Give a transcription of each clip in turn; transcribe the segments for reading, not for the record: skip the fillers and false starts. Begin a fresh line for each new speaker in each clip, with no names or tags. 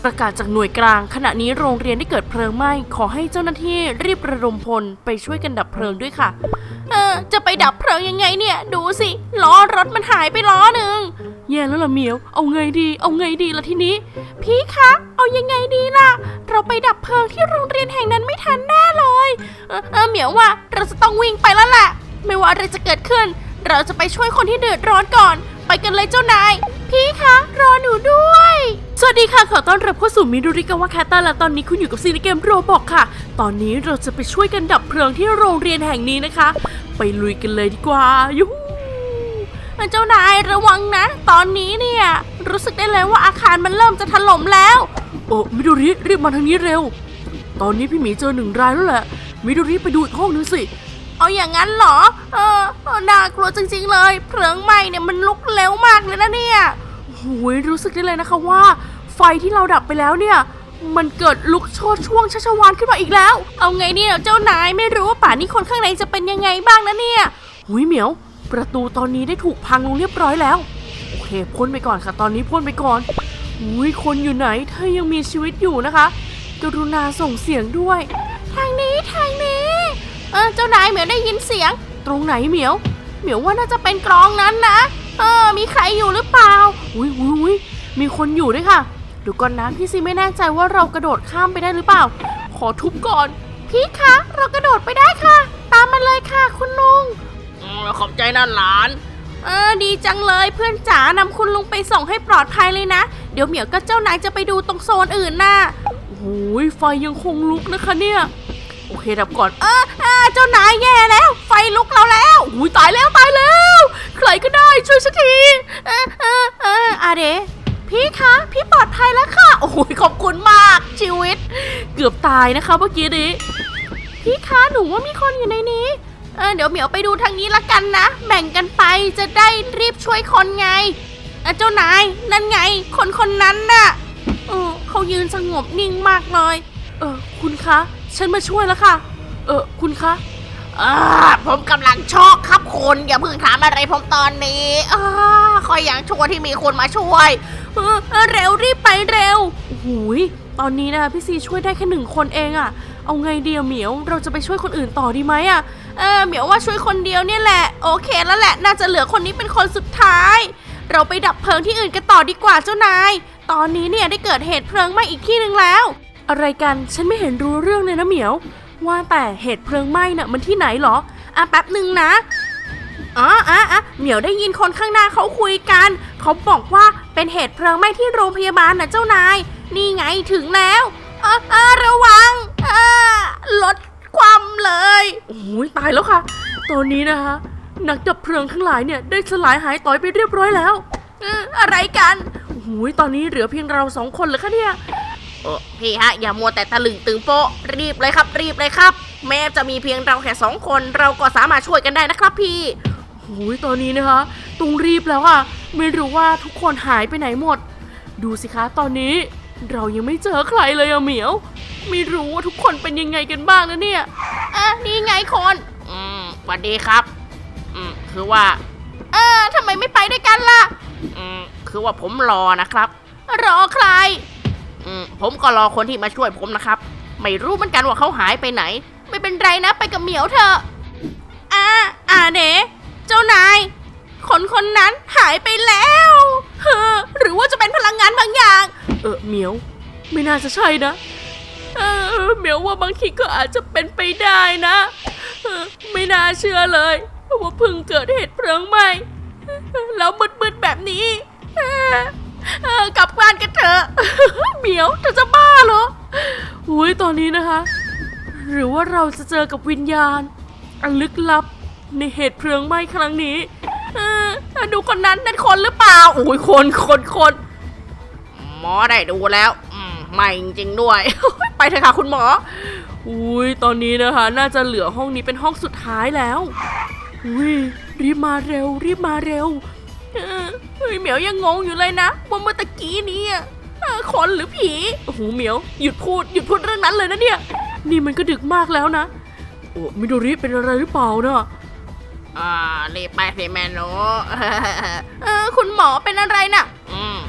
ประกาศจากหน่วยกลางขณะนี้โรงเรียนได้เกิดเพลิงไหม้ขอให้เจ้าหน้าที่รีบระดมพลไปช่วยกันดับเพลิงด้วยค่ะจะไปดับเพลิงยังไงเนี่ยดูสิล้อรถมันหายไปล้อหนึ่งแย่แล้วล่ะเหมียวเอาไงดีล่ะทีนี้พี่คะเอายังไงดีล่ะเราไปดับเพลิงที่โรงเรียนแห่งนั้นไม่ทันแน่เลยเหมียวว่าเราจะต้องวิ่งไปแล้วแหละไม่ว่าอะไรจะเกิดขึ้นเราจะไปช่วยคนที่เดือดร้อนก่อนไปกันเลยเจ้านายพี่คะรอหนูด้วยสวัสดีค่ะขอต้อนรับเข้าสู่มิดูริกาวะแคตตาและตอนนี้คุณอยู่กับซีในเกมโรบอกค่ะตอนนี้เราจะไปช่วยกันดับเพลิงที่โรงเรียนแห่งนี้นะคะไปลุยกันเลยดีกว่ายูฮูเจ้านายระวังนะตอนนี้เนี่ยรู้สึกได้เลยว่าอาคารมันเริ่มจะถล่มแล้วมิดูริรีบมาทางนี้เร็วตอนนี้พี่หมีเจอ1 รายแล้วแหละมิดูริไปดูอีกห้องนึงสิเอาอย่างนั้นเหรอน่ากลัวจริงๆเลยเพลิงไหม้เนี่ยมันลุกเร็วมากเลยนะเนี่ยโอ้ยรู้สึกได้เลยนะคะว่าไฟที่เราดับไปแล้วเนี่ยมันเกิดลุกโชนช่วงชัชวาลขึ้นมาอีกแล้วเอาไงเนี่ยเจ้านายไม่รู้ว่าป่านนี้คนข้างในจะเป็นยังไงบ้างนะเนี่ยหุยเหมียวประตูตอนนี้ได้ถูกพังลงเรียบร้อยแล้วโอเคพ่นไปก่อนค่ะตอนนี้พ่นไปก่อนหุยคนอยู่ไหนเธอยังมีชีวิตอยู่นะคะกรุณาส่งเสียงด้วยทางนี้เจ้านายเหมียวได้ยินเสียงตรงไหนเหมียวว่าน่าจะเป็นกรองนั้นนะมีใครอยู่หรือเปล่าอุ้ยมีคนอยู่ด้วยค่ะเดี๋ยวก่อนนะพี่ซีไม่แน่ใจว่าเรากระโดดข้ามไปได้หรือเปล่าขอทุบก่อนพี่คะเรากระโดดไปได้ค่ะตามมาเลยค่ะคุณลุงขอบใจนะหลานดีจังเลยเพื่อนจ๋านำคุณลุงไปส่งให้ปลอดภัยเลยนะเดี๋ยวเหมียวกับเจ้านายจะไปดูตรงโซนอื่นน่ะโอ้ยไฟยังคงลุกนะคะเนี่ยโอเคดับก่อนเจ้านายแย่แล้วไฟลุกเราแล้วอุ้ยตายแล้วใครก็ได้ช่วยฉันทีอาเดพี่คะพี่ปลอดภัยแล้วค่ะโอ้ยขอบคุณมากชีวิตเกือบตายนะคะเมื่อกี้นี้พี่คะหนูว่ามีคนอยู่ในนี้เดี๋ยวเหมียวไปดูทางนี้ละกันนะแบ่งกันไปจะได้รีบช่วยคนไงเจ้านายนั่นไงคนนั้นน่ะเขายืนสงบนิ่งมากเลยคุณคะฉันมาช่วยแล้วค่ะคุณคะ
ผมกำลังช็อกครับคุณอย่าเพิ่งถามอะไรผมตอนนี้คอยอย่างชั่วที่มีคนมาช่วย
เร็วรีบไปเร็วโอ้โหตอนนี้นะพี่ซีช่วยได้แค่1 คนเองอะเอาไงเดียวเหมียวเราจะไปช่วยคนอื่นต่อดีไหมอะเหมียวว่าช่วยคนเดียวเนี่ยแหละโอเคแล้วแหละน่าจะเหลือคนนี้เป็นคนสุดท้ายเราไปดับเพลิงที่อื่นกันต่อดีกว่าเจ้านายตอนนี้เนี่ยได้เกิดเหตุเพลิงไหม้อีกที่นึงแล้วอะไรกันฉันไม่เห็นรู้เรื่องเลยนะเหมียวว่าแต่เหตุเพลิงไหม้น่ะมันที่ไหนหรอแป๊บหนึ่งนะเหมียวได้ยินคนข้างหน้าเขาคุยกันเขาบอกว่าเป็นเหตุเพลิงไหม้ที่โรงพยาบาลนะเจ้านายนี่ไงถึงแล้วระวังลดความเลยโอ้ยตายแล้วค่ะตอนนี้นะคะนักดับเพลิงทั้งหลายเนี่ยได้สลายหายต่อยไปเรียบร้อยแล้วอะไรกันโอ้ยตอนนี้เหลือเพียงเรา2 คนเลยค่ะเนี่ย
พี่ฮะอย่ามัวแต่ตะลึงตึงโป๊ะรีบเลยครับแม้จะมีเพียงเราแค่2 คนเราก็สามารถช่วยกันได้นะครับพี่
โอ้ยตอนนี้นะคะต้องรีบแล้วอ่ะไม่รู้ว่าทุกคนหายไปไหนหมดดูสิคะตอนนี้เรายังไม่เจอใครเลยอะเหมียวไม่รู้ว่าทุกคนเป็นยังไงกันบ้างนะเนี่ย
นี่ไงคนสวัสดีครับคือว่า
ทำไมไม่ไปด้วยกันล่ะ
คือว่าผมรอนะครับ
รอใคร
ผมก็รอคนที่มาช่วยผมนะครับไม่รู้เหมือนกันว่าเขาหายไปไหน
ไม่เป็นไรนะไปกับเหมียวเถอะเด๋เจ้านายคนนั้นหายไปแล้วหรือว่าจะเป็นพลังงานบางอย่างเหมียวไม่น่าจะใช่นะเหมียวว่าบางทีก็อาจจะเป็นไปได้นะไม่น่าเชื่อเลยว่าเพิ่งเกิดเหตุเพลิงไหม้แล้วมืดๆแบบนี้กลับบ้านกันเถอะเหมียวเธอจะบ้าเหรออุ้ยตอนนี้นะคะหรือว่าเราจะเจอกับวิญญาณอันลึกลับในเหตุเพลิงไหม้ครั้งนี้ดูคนนั้นนั่นคนหรือเปล่าโอ้ยคน
หมอได้ดูแล้วไม่จริงๆด้วย
ไปเถอะค่ะคุณหมออุ้ยตอนนี้นะคะน่าจะเหลือห้องนี้เป็นห้องสุดท้ายแล้วอุ้ยรีบมาเร็วเหมียวยังงงอยู่เลยนะว่าเมื่อตะกี้นี้คนหรือผีโอ้โหเหมียวหยุดพูดเรื่องนั้นเลยนะเนี่ยนี่มันก็ดึกมากแล้วนะโอ้มิโดริเป็นอะไรหรือเปล่านะ
รีบไปสิแม่หนู
คุณหมอเป็นอะไรน่ะ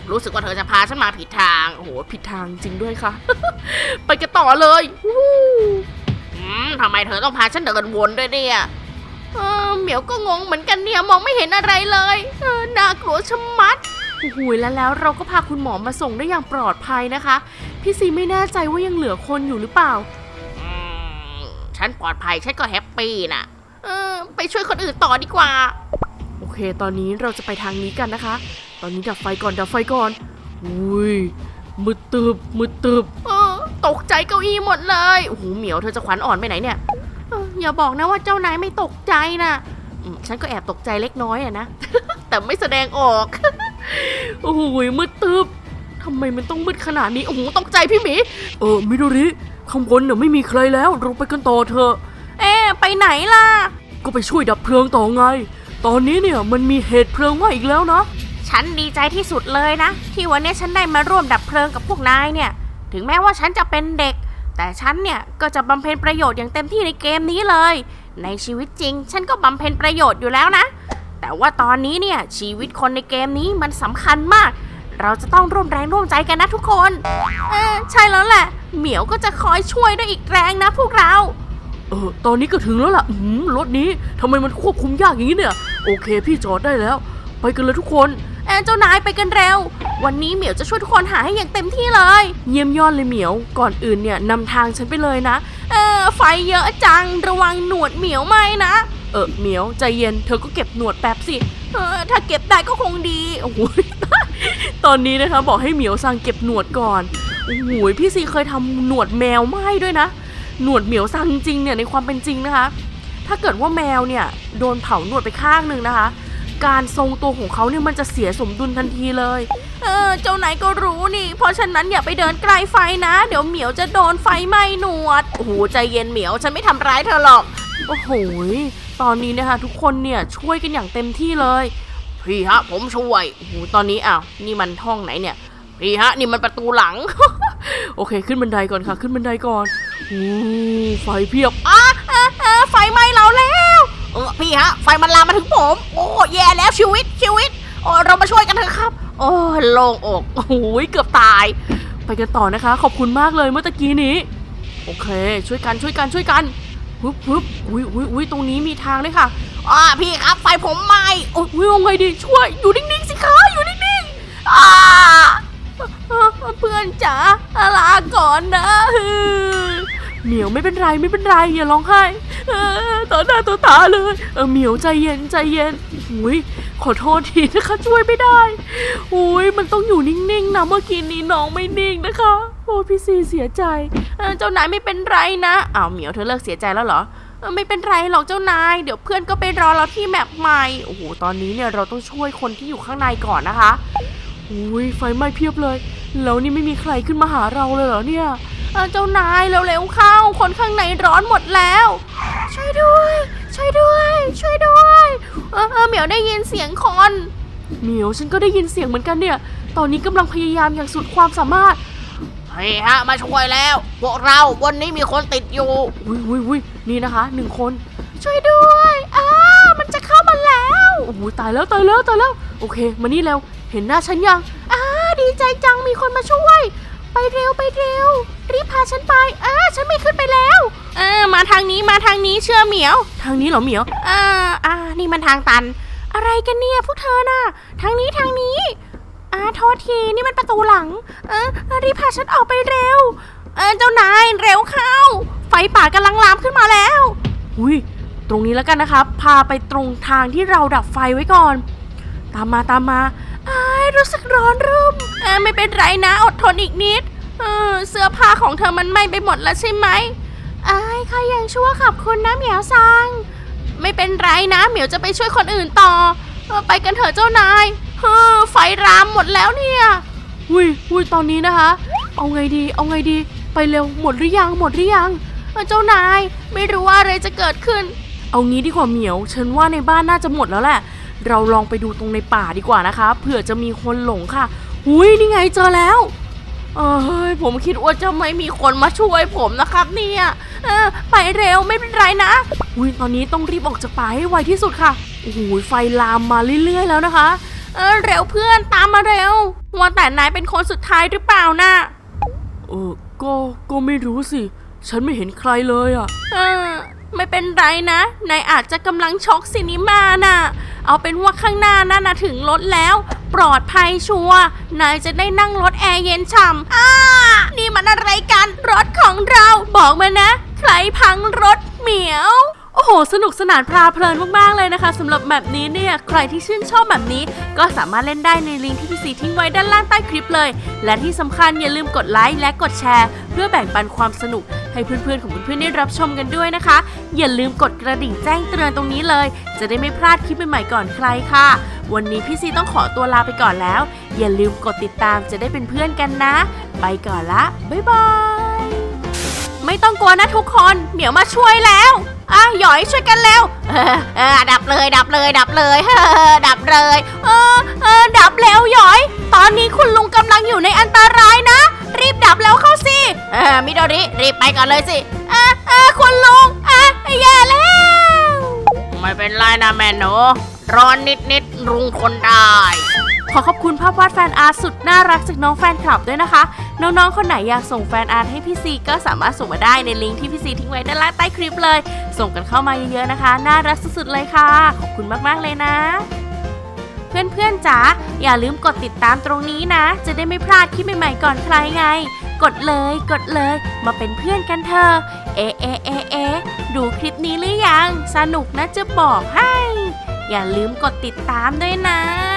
รู้สึกว่าเธอจะพาฉันมาผิดทาง
โอ้โหผิดทางจริงด้วยค่ะ ไปกันต่อเลยวู้
ทำไมเธอต้องพาฉันเดินวนด้วยเนี่ย
เหมียวก็งงเหมือนกันเนี่ยมองไม่เห็นอะไรเลยน่ากลัวชะมัดโอ้โหแล้วเราก็พาคุณหมอมาส่งได้อย่างปลอดภัยนะคะพี่ซีไม่แน่ใจว่ายังเหลือคนอยู่หรือเปล่า
ฉันปลอดภัยฉันก็แฮปปี้นะไปช่วยคนอื่นต่อดีกว่า
โอเคตอนนี้เราจะไปทางนี้กันนะคะ ตอนนี้ดับไฟก่อนดับไฟก่อนอุ้ยมืดตึบมืดตึบตกใจเก้าอี้หมดเลยโอ้โหเหมียวเธอจะขวัญอ่อนไปไหนเนี่ยอย่าบอกนะว่าเจ้านายไม่ตกใจนะฉันก็แอบตกใจเล็กน้อยอะนะ แต่ไม่แสดงออก โอ้โหมืดตึบทำไมมันต้องมืดขนาดนี้โอ้โหตกใจพี่หมีมิโดริข้างบนเนี่ยไม่มีใครแล้วเราไปกันต่อเถอะไปไหนล่ะก็ไปช่วยดับเพลิงต่อไงตอนนี้เนี่ยมันมีเหตุเพลิงไหม้อีกแล้วนะ
ฉันดีใจที่สุดเลยนะที่วันนี้ฉันได้มาร่วมดับเพลิงกับพวกนายเนี่ยถึงแม้ว่าฉันจะเป็นเด็กแต่ฉันเนี่ยก็จะบำเพ็ญประโยชน์อย่างเต็มที่ในเกมนี้เลยในชีวิตจริงฉันก็บำเพ็ญประโยชน์อยู่แล้วนะแต่ว่าตอนนี้เนี่ยชีวิตคนในเกมนี้มันสำคัญมากเราจะต้องร่วมแรงร่วมใจกันนะทุกคนใช่แล้วแหละเหมียวก็จะคอยช่วยด้วยอีกแรงนะพวกเราตอนนี้ก็ถึงแล้วล่ะรถนี้ทำไมมันควบคุมยากอย่างนี้เนี่ยโอเคพี่จอดได้แล้วไปกันเลยทุกคนเจ้านายไปกันเร็ววันนี้เหมียวจะช่วยทุกคนหาให้อย่างเต็มที่เลยเยี่ยมยอดเลยเหมียวก่อนอื่นเนี่ยนำทางฉันไปเลยนะไฟเยอะจังระวังหนวดเหมียวไหมนะเหมียวใจเย็นเธอก็เก็บหนวดแป๊บสิถ้าเก็บได้ก็คงดีโอ้โห ตอนนี้นะคะบอกให้เหมียวสั่งเก็บหนวดก่อนโอ้โหพี่ซีเคยทำหนวดแมวไหม้ด้วยนะหนวดเหมียวสั่งจริงเนี่ยในความเป็นจริงนะคะถ้าเกิดว่าแมวเนี่ยโดนเผาหนวดไปข้างหนึ่งนะคะการทรงตัวของเขาเนี่ยมันจะเสียสมดุลทันทีเลยเจ้านายก็รู้นี่เพราะฉะนั้นอย่าไปเดินใกล้ไฟนะเดี๋ยวเหมียวจะโดนไฟไหม้หนวดโอ้โหใจเย็นเหมียวฉันไม่ทำร้ายเธอหรอก
โอ้โหตอนนี้นะคะทุกคนเนี่ยช่วยกันอย่างเต็มที่เลย
พี่ฮะผมช่วย
โอ้โหตอนนี้นี่มันห้องไหนเนี่ย
พี่ฮะนี่มันประตูหลัง
โอเคขึ้นบันไดก่อนค่ะขึ้นบันไดก่อนไฟเพียบ
ไฟไหม้เราแล้วพี่ฮะไฟมันลามมาถึงผมโอ้แย่แล้วชีวิตโอ้เรามาช่วยกันเถอะครับโอ้โล่งอก
โอ้โหเกือบตายไปกันต่อนะคะขอบคุณมากเลยเมื่อตะกี้นี้โอเคช่วยกันฮึบอุ้ยตรงนี้มีทางด้วยค่ะ
พี่ครับไฟผมไหม้
โอ้ยยังไงดีช่วยอยู่นิ่งๆสิคะอยู่นิ่งๆเพื่อนจ๋าลาก่อนนะเหมียวไม่เป็นไรอย่าร้องไห้ต่อหน้าต่อตาเลยเหมียวใจเย็นอุ้ยขอโทษทีนะคะช่วยไม่ได้อุ้ยมันต้องอยู่นิ่งๆนะเมื่อกี้นี้น้องไม่นิ่งนะคะโอ้พี่ซีเสียใจเจ้านายไม่เป็นไรนะเหมียวเธอเลิกเสียใจแล้วเหรอไม่เป็นไรหรอกเจ้านายเดี๋ยวเพื่อนก็ไปรอเราที่แมปใหม่โอ้โหตอนนี้เนี่ยเราต้องช่วยคนที่อยู่ข้างในก่อนนะคะอุ้ยไฟไหม้เพียบเลยแล้วนี่ไม่มีใครขึ้นมาหาเราเลยเหรอเนี่ยเจ้านายเร็วๆเข้าคนข้างในร้อนหมดแล้วช่วยด้วยเหมียวได้ยินเสียงคนเหมียวฉันก็ได้ยินเสียงเหมือนกันเนี่ยตอนนี้กำลังพยายามอย่างสุดความสามารถ
เฮ้ยฮะมาช่วยแล้วพวกเราวันนี้มีคนติดอยู่
อุ้ยนี่นะคะ1คนช่วยด้วยมันจะเข้ามาแล้วโอ้โหตายแล้วโอเคมานี่แล้วเห็นหน้าฉันยังดีใจจังมีคนมาช่วยไปเร็วรีบพาฉันไปฉันไม่ขึ้นไปแล้วมาทางนี้เชื่อเหมียวทางนี้เหรอเหมียว
นี่มันทางตัน
อะไรกันเนี่ยพวกเธอน่ะทางนี้โทษทีนี่มันประตูหลังรีบพาฉันออกไปเร็วเจ้านายเร็วเข้าไฟป่ากำลังลามขึ้นมาแล้วอุ้ยตรงนี้แล้วกันนะครับพาไปตรงทางที่เราดับไฟไว้ก่อนตามมารู้สึกร้อนรุ่มไม่เป็นไรนะอดทนอีกนิดเสื้อผ้าของเธอมันไหม้ไปหมดแล้วใช่ไหมข้ายังชั่วขอบคุณนะเหมียวซังไม่เป็นไรนะเหมียวจะไปช่วยคนอื่นต่อไปกันเถอะเจ้านายไฟรามหมดแล้วเนี่ยอุ้ยตอนนี้นะคะเอาไงดีไปเร็วหมดหรือยังเจ้านายไม่รู้ว่าอะไรจะเกิดขึ้นเอางี้ดีกว่าเหมียวฉันว่าในบ้านน่าจะหมดแล้วแหละเราลองไปดูตรงในป่าดีกว่านะคะเผื่อจะมีคนหลงค่ะนี่ไงเจอแล้วผมคิดว่าจะไม่มีคนมาช่วยผมนะครับเนี่ยไปเร็วไม่เป็นไรนะตอนนี้ต้องรีบออกจากป่าให้ไวที่สุดค่ะโอ้โหไฟลามมาเรื่อยๆแล้วนะคะเร็วเพื่อนตามมาเร็วว่าแต่นายเป็นคนสุดท้ายหรือเปล่านะ ก็ไม่รู้สิ ฉันไม่เห็นใครเลยอ่ะไม่เป็นไรนะ นายอาจจะกำลังช็อกซินิมาน่ะ เอาเป็นว่าข้างหน้านั่นนะถึงรถแล้ว ปลอดภัยชัวร์นายจะได้นั่งรถแอร์เย็นฉ่ำนี่มันอะไรกัน รถของเรา บอกมานะ ใครพังรถเหมียว โอ้โห สนุกสนานพาเพลินมากๆเลยนะคะสำหรับแบบนี้เนี่ย ใครที่ชื่นชอบแบบนี้ก็สามารถเล่นได้ในลิงก์ที่พี่ซีทิ้งไว้ด้านล่างใต้คลิปเลย และที่สำคัญอย่าลืมกดไลค์และกดแชร์ เพื่อแบ่งปันความสนุกให้เพื่อนๆของเพื่อนๆได้รับชมกันด้วยนะคะ อย่าลืมกดกระดิ่งแจ้งเตือนตรงนี้เลย จะได้ไม่พลาดคลิปใหม่ๆก่อนใครค่ะ วันนี้พี่ซีต้องขอตัวลาไปก่อนแล้ว อย่าลืมกดติดตามจะได้เป็นเพื่อนกันนะ ไปก่อนละบ๊ายบายไม่ต้องกลัวนะทุกคนเหมียวมาช่วยแล้วหยอยช่วยกันเร็วดับเลยดับเลยดับเลยดับเลยดับแล้วหยอยตอนนี้คุณลุงกำลังอยู่ในอันตรายนะรีบดับแล้วเข้าสิมิโดริรีบไปก่อนเลยสิคุณลุงแย่แล้วไม่เป็นไรนะแม่หนูร้อนนิดลุงทนได้ขอขอบคุณภาพวาดแฟนอาร์ตสุดน่ารักจากน้องแฟนคลับด้วยนะคะน้องๆคนไหนอยากส่งแฟนอาร์ตให้พี่ซีก็สามารถส่งมาได้ในลิงก์ที่พี่ซีทิ้งไว้ด้านล่างใต้คลิปเลยส่งกันเข้ามาเยอะๆนะคะน่ารักสุดๆเลยค่ะขอบคุณมากๆเลยนะเพื่อนๆจ๋าอย่าลืมกดติดตามตรงนี้นะจะได้ไม่พลาดคลิปใหม่ๆก่อนใครไงกดเลยมาเป็นเพื่อนกันเถอะดูคลิปนี้หรือยังสนุกนะจะบอกให้อย่าลืมกดติดตามด้วยนะ